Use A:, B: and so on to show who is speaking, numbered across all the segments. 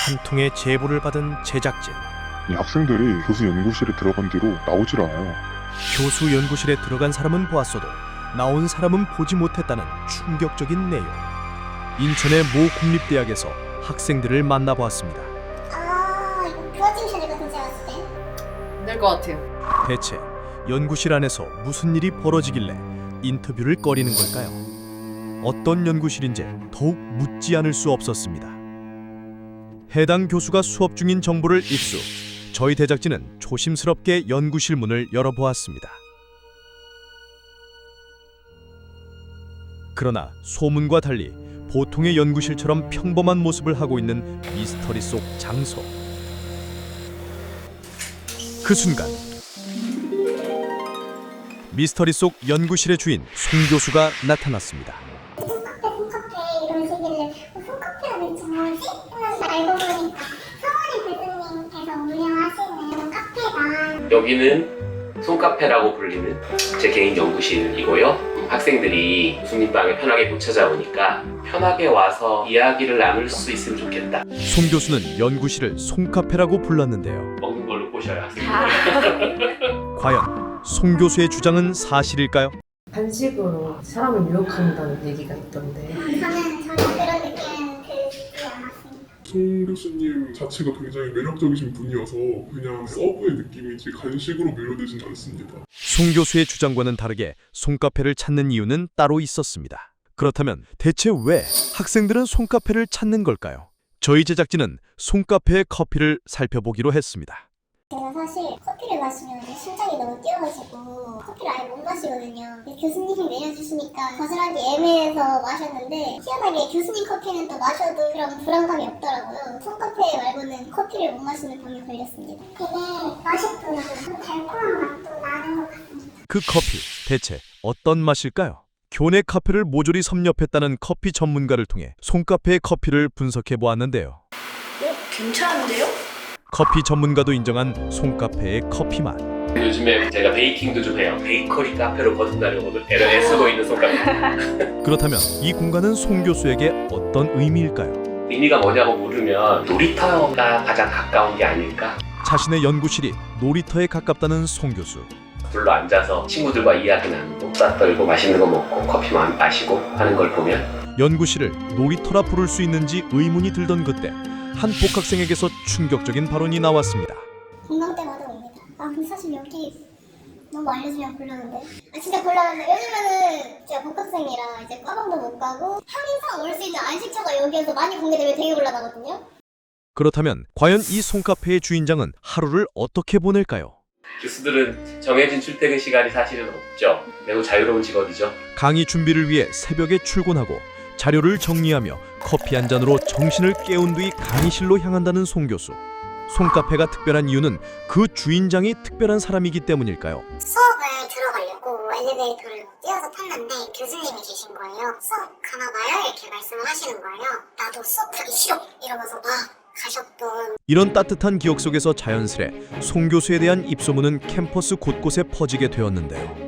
A: 한 통의 제보를 받은 제작진.
B: 이 학생들이 교수 연구실에 들어간 뒤로 나오질 않아요.
A: 교수 연구실에 들어간 사람은 보았어도 나온 사람은 보지 못했다는 충격적인 내용. 인천의 모 국립대학에서 학생들을 만나보았습니다.
C: 이거 도와주셔야 될 것 같은 제가 봤을 때.
D: 될 것 같아요.
A: 대체 연구실 안에서 무슨 일이 벌어지길래 인터뷰를 꺼리는 걸까요? 어떤 연구실인지 더욱 묻지 않을 수 없었습니다. 해당 교수가 수업 중인 정보를 입수. 저희 제작진은 조심스럽게 연구실 문을 열어보았습니다. 그러나 소문과 달리 보통의 연구실처럼 평범한 모습을 하고 있는 미스터리 속 장소. 그 순간 미스터리 속 연구실의 주인 송 교수가 나타났습니다.
C: 손카페 이런 식이길래 손카페가 대체 뭐지? 하면서 알고 보니까 성원이 교수님께서 운영하시는 카페가
E: 여기는 손카페라고 불리는 제 개인 연구실이고요. 학생들이 교수님 방에 편하게 못 찾아오니까 편하게 와서 이야기를 나눌 수 있으면 좋겠다.
A: 송 교수는 연구실을 송카페라고 불렀는데요.
E: 먹는 걸로 꼬셔요, 학생들.
A: 과연 송 교수의 주장은 사실일까요?
D: 한식으로 사람을 유혹한다는 얘기가 있던데.
C: 저는 전혀 그런 느낌은 들지 않았습니다.
B: 송 교수님 자체가 굉장히 매력적이신 분이어서 그냥 서브의 느낌이지 간식으로 매료되진 않습니다.
A: 송 교수의 주장과는 다르게 송카페를 찾는 이유는 따로 있었습니다. 그렇다면 대체 왜 학생들은 송카페를 찾는 걸까요? 저희 제작진은 송카페의 커피를 살펴보기로 했습니다.
C: 제가 사실 커피를 마시면 이제 심장이 너무 뛰어가지고 커피를 아예 못 마시거든요. 교수님이 내려주시니까 거절하기 애매해서 마셨는데 희한하게 교수님 커피는 또 마셔도 그런 불안감이 없더라고요. 손카페 말고는 커피를 못 마시는 병에 걸렸습니다. 되게 맛있구나. 좀 달콤한 맛도 나는 것 같습니다.
A: 그 커피 대체 어떤 맛일까요? 교내 카페를 모조리 섭렵했다는 커피 전문가를 통해 송카페의 커피를 분석해 보았는데요.
D: 괜찮은데요?
A: 커피 전문가도 인정한 송카페의 커피 맛.
E: 요즘에 제가 베이킹도 좀 해요. 베이커리 카페로 거듭나려고도 애쓰고 있는 손카페.
A: 그렇다면 이 공간은 송 교수에게 어떤 의미일까요?
E: 의미가 뭐냐고 물으면 놀이터가 가장 가까운 게 아닐까?
A: 자신의 연구실이 놀이터에 가깝다는 송 교수.
E: 불러 앉아서 친구들과 이야기 나누고 수다 떨고 맛있는 거 먹고 커피 마시고 하는 걸 보면
A: 연구실을 놀이터라 부를 수 있는지 의문이 들던 그때 한 복학생에게서 충격적인 발언이 나왔습니다.
C: 공강 때마다 옵니다. 근데 사실 여기 너무 알려주면 곤란한데? 진짜 곤란한데 요즘에는 제가 복학생이라 이제 과방도 못 가고 평일상 올 수 있는 안식처가 여기여서 많이 공개되면 되게 곤란하거든요?
A: 그렇다면 과연 이 송카페의 주인장은 하루를 어떻게 보낼까요?
E: 교수들은 정해진 출퇴근 시간이 사실은 없죠. 매우 자유로운 직업이죠.
A: 강의 준비를 위해 새벽에 출근하고 자료를 정리하며 커피 한 잔으로 정신을 깨운 뒤 강의실로 향한다는 송 교수. 송카페가 특별한 이유는 그 주인장이 특별한 사람이기 때문일까요?
C: 수업을 들어가려고 엘리베이터를 뛰어서 탔는데 교수님이 계신 거예요. 수업 가나봐요? 이렇게 말씀을 하시는 거예요. 나도 수업 하기 싫어! 이러면서 가셨던.
A: 이런 따뜻한 기억 속에서 자연스레 송 교수에 대한 입소문은 캠퍼스 곳곳에 퍼지게 되었는데요.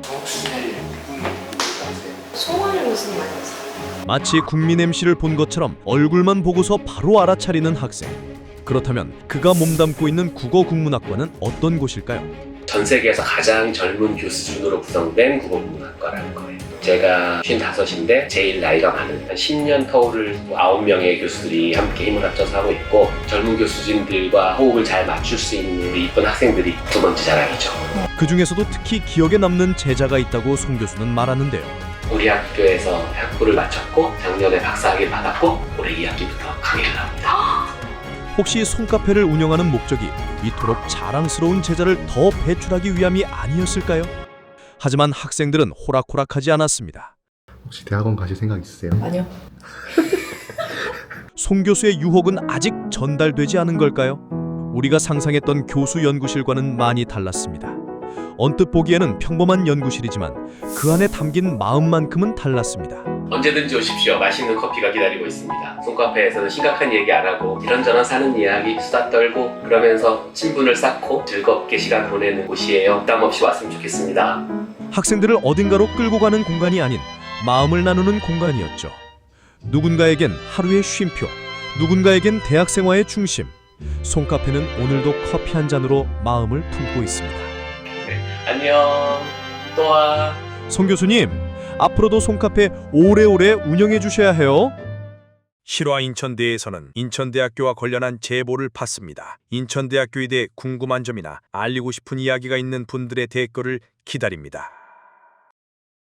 D: 송원이 무슨 말이지?
A: 마치 국민 MC를 본 것처럼 얼굴만 보고서 바로 알아차리는 학생. 그렇다면 그가 몸담고 있는 국어국문학과는 어떤 곳일까요?
E: 전 세계에서 가장 젊은 교수 순으로 구성된 국어국문학과라는 거예요. 제가 55인데 제일 나이가 많은 한 10년 터울을 9명의 교수들이 함께 힘을 합쳐서 하고 있고 젊은 교수진들과 호흡을 잘 맞출 수 있는 우리 이쁜 학생들이 두 번째 자랑이죠.
A: 그 중에서도 특히 기억에 남는 제자가 있다고 송 교수는 말하는데요.
E: 우리 학교에서 학부를 마쳤고 작년에 박사학위를 받았고 올해 2학기부터 강의를 합니다.
A: 혹시 송카페를 운영하는 목적이 이토록 자랑스러운 제자를 더 배출하기 위함이 아니었을까요? 하지만 학생들은 호락호락하지 않았습니다.
F: 혹시 대학원 가실 생각 있으세요?
D: 아니요.
A: 송 교수의 유혹은 아직 전달되지 않은 걸까요? 우리가 상상했던 교수 연구실과는 많이 달랐습니다. 언뜻 보기에는 평범한 연구실이지만 그 안에 담긴 마음만큼은 달랐습니다.
E: 언제든지 오십시오. 맛있는 커피가 기다리고 있습니다. 손카페에서는 심각한 얘기 안 하고 이런저런 사는 이야기 수다 떨고 그러면서 친분을 쌓고 즐겁게 시간 보내는 곳이에요. 부담 없이 왔으면 좋겠습니다.
A: 학생들을 어딘가로 끌고 가는 공간이 아닌 마음을 나누는 공간이었죠. 누군가에겐 하루의 쉼표, 누군가에겐 대학 생활의 중심, 송카페는 오늘도 커피 한 잔으로 마음을 품고 있습니다.
E: 안녕. 또 와.
A: 송 교수님, 앞으로도 송카페 오래오래 운영해 주셔야 해요. 실화 인천대에서는 인천대학교와 관련한 제보를 받습니다. 인천대학교에 대해 궁금한 점이나 알리고 싶은 이야기가 있는 분들의 댓글을 기다립니다.